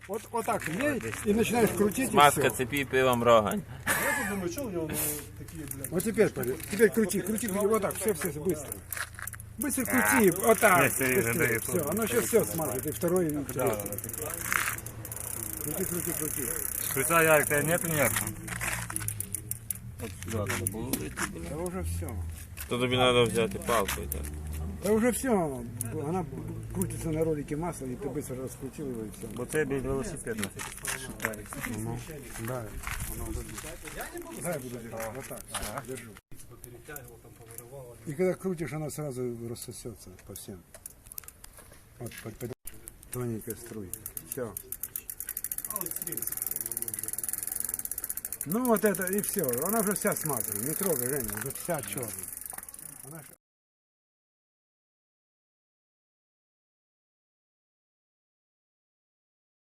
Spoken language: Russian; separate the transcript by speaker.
Speaker 1: Вот так лей и начинаешь крутить, и
Speaker 2: Маска
Speaker 1: все.
Speaker 2: цепи пивом рогань.
Speaker 3: Я думаю, что у него такие, блядь.
Speaker 1: Вот теперь крути, вот так, все, быстро. Быстро крути, вот так, быстрее, все, оно сейчас все смажет, и второй, и третий. Крути.
Speaker 4: Шприца, Ярик, тебя нет нервно?
Speaker 1: Да уже все.
Speaker 2: То тобі треба взяти палку. Так.
Speaker 1: Да уже все, она крутится на ролике масла, и ты быстро раскрутил его, и все.
Speaker 4: Бо це бій велосипед.
Speaker 1: Да, я буду держать, вот так, держу. И когда крутишь, она сразу рассосется по всем. Вот, тоненькая струйка. Все. Ну вот это и все. Она уже вся смазана. Не трогай, Женя, уже вся черная.